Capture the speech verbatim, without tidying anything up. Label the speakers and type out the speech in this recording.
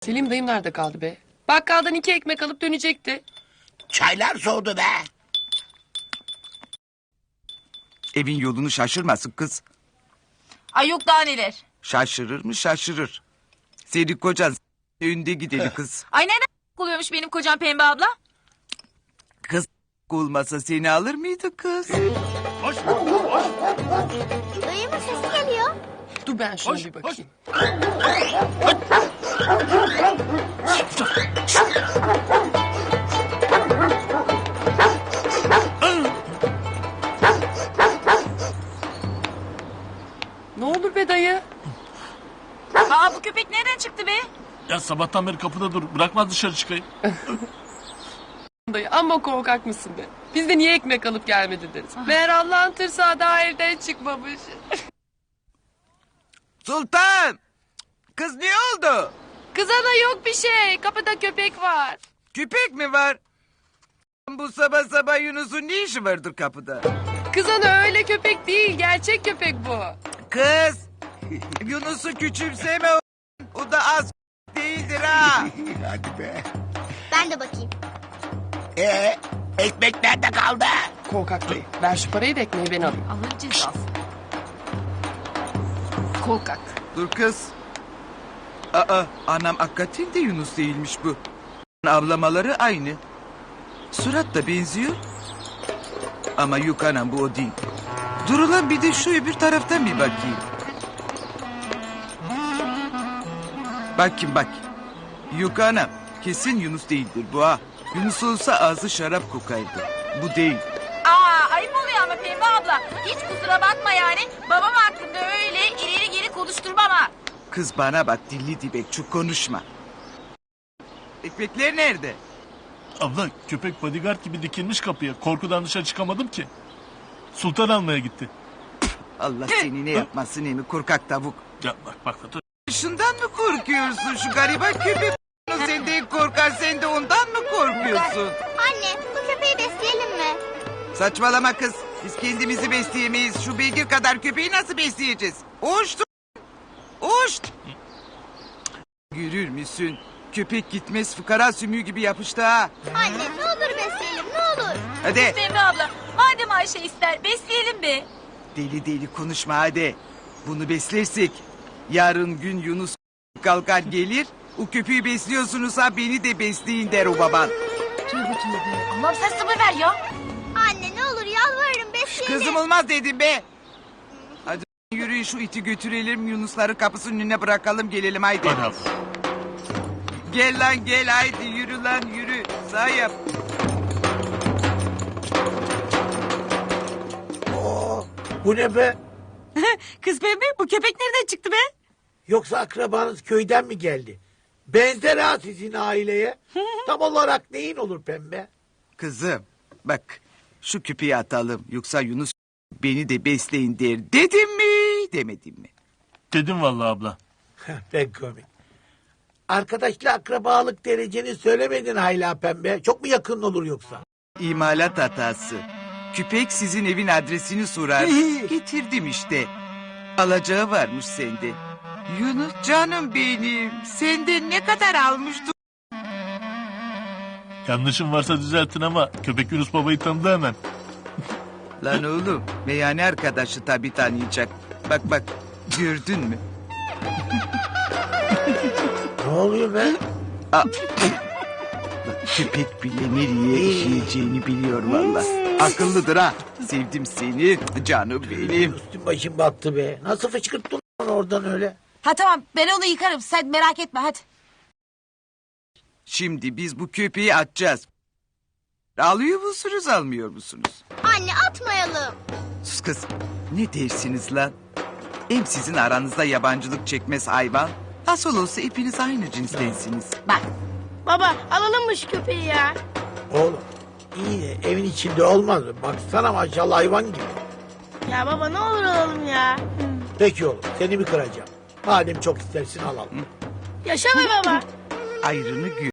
Speaker 1: Selim dayım nerede kaldı be? Bakkaldan iki ekmek alıp dönecekti.
Speaker 2: Çaylar soğudu be.
Speaker 3: Evin yolunu şaşırmasın kız.
Speaker 4: Ay yok daha neler.
Speaker 3: Şaşırır mı şaşırır. Senin kocan önde gideli kız.
Speaker 4: Ay neden oluyormuş benim kocam Pembe abla?
Speaker 3: Kız olmasa seni alır mıydı kız?
Speaker 5: Dayımın sesi geliyor.
Speaker 1: Dur ben şuna bir bakayım. Ne olur be dayı.
Speaker 4: Aa bu köpek nereden çıktı be?
Speaker 6: Ya sabahtan beri kapıda dur. Bırakmaz dışarı çıkayım.
Speaker 1: Dayı amma korkak mısın be? Biz de niye ekmek alıp gelmedi deriz. Meğer Allah'ın tırsağı daha evden çıkmamış.
Speaker 3: Sultan! Kız ne oldu?
Speaker 1: Kızana yok bir şey. Kapıda köpek var.
Speaker 3: Köpek mi var? Bu sabah sabah Yunus'un ne işi vardır kapıda?
Speaker 1: Kızana öyle köpek değil. Gerçek köpek bu.
Speaker 3: Kız! Yunus'u küçümseme o. O da az değildir ha.
Speaker 2: Hadi be.
Speaker 5: Ben de bakayım.
Speaker 2: Ee, ekmek nerede kaldı?
Speaker 1: Korkak dayı. Ver şu parayı da ekmeği ben alayım.
Speaker 4: Allah'ın cezası. Korkak.
Speaker 3: Dur kız. Aa, anam hakikaten de Yunus değilmiş bu. Avlamaları aynı. Surat da benziyor. Ama yok anam bu o değil. Dur ulan bir de şu öbür taraftan bir bakayım. Bakayım bak. Yok anam kesin Yunus değildir bu ha. Yunus olsa ağzı şarap kokardı. Bu değil.
Speaker 4: Aa ayıp oluyor ama Pembe abla. Hiç kusura bakma yani. Babam hakkında öyle ileri geri konuşturma ama.
Speaker 3: Kız bana bak dilli dibek çok konuşma. Ekmekler nerede?
Speaker 6: Abla köpek bodyguard gibi dikilmiş kapıya. Korkudan dışarı çıkamadım ki. Sultan almaya gitti.
Speaker 3: Allah seni ne yapmasın emi korkak tavuk.
Speaker 6: Ya bak bak. dur.
Speaker 3: Şundan mı korkuyorsun şu gariban köpek? Sen de korkar sen de ondan mı korkuyorsun?
Speaker 5: Anne, bu köpeği besleyelim mi?
Speaker 3: Saçmalama kız. Biz kendimizi besleyemeyiz. Şu beygir kadar köpeği nasıl besleyeceğiz? Oğuştu. Oğuşt. Görür müsün? Köpek gitmez fıkara sümüğü gibi yapıştı ha.
Speaker 5: Anne, ne olur besleyelim, ne olur.
Speaker 3: Hadi.
Speaker 4: Pembe abla madem Ayşe ister besleyelim be.
Speaker 3: Deli deli konuşma hadi. Bunu beslersek yarın gün Yunus kalkar gelir. O köpeği besliyorsunuz ha beni de besleyin der o baban.
Speaker 4: Tövbe tövbe. Allah'ım sen sabır ver ya.
Speaker 5: Anne, ne olur yalvarırım besleyelim.
Speaker 3: Kızım olmaz dedim be. Hadi yürüyün şu iti götürelim Yunusları kapısının önüne bırakalım gelelim haydi.
Speaker 6: Hadi abla.
Speaker 3: Gel lan gel haydi yürü lan yürü. Sağ yap.
Speaker 2: Oo, bu ne be?
Speaker 4: Kız Pembe bu köpek nereden çıktı be?
Speaker 2: Yoksa akrabanız köyden mi geldi? Benzer ha sizin aileye. Tam olarak neyin olur pembe?
Speaker 3: Kızım bak şu küpeyi atalım yoksa Yunus beni de besleyin der. Dedim mi demedim mi?
Speaker 6: Dedim vallahi abla.
Speaker 2: Pek komik. Arkadaşla akrabalık dereceni söylemedin hala pembe. Çok mu yakın olur yoksa?
Speaker 3: İmalat hatası. Küpek sizin evin adresini sorar. Getirdim işte. Alacağı varmış sende. Yunus canım benim. Senden ne kadar almıştın?
Speaker 6: Yanlışım varsa düzeltin ama köpek Yunus babayı tanıdı hemen.
Speaker 3: Lan oğlum meyhane arkadaşı tabii tanıyacak. Bak bak gördün mü?
Speaker 2: Ne oluyor be?
Speaker 3: Aa, köpek bile nereye işleyeceğini biliyor valla. Akıllıdır ha. Sevdim seni canım benim.
Speaker 2: Üstüm başım battı be. Nasıl fışkırttın lan oradan öyle?
Speaker 4: Ha tamam ben onu yıkarım sen merak etme hadi.
Speaker 3: Şimdi biz bu köpeği atacağız. Alıyor musunuz almıyor musunuz?
Speaker 5: Anne, atmayalım.
Speaker 3: Sus kız. Ne dersiniz lan? Hem sizin aranızda yabancılık çekmez hayvan. Nasıl olsa hepiniz aynı cinstensiniz.
Speaker 4: Bak.
Speaker 5: Baba, alalım mı şu köpeği ya?
Speaker 2: Oğlum iyi de evin içinde olmaz mı? Baksana maşallah hayvan gibi.
Speaker 5: Ya baba, ne olur alalım ya.
Speaker 2: Peki oğlum seni mi kıracağım? Madem çok istersin alalım.
Speaker 5: Yaşa be baba.
Speaker 3: Ayrını gör.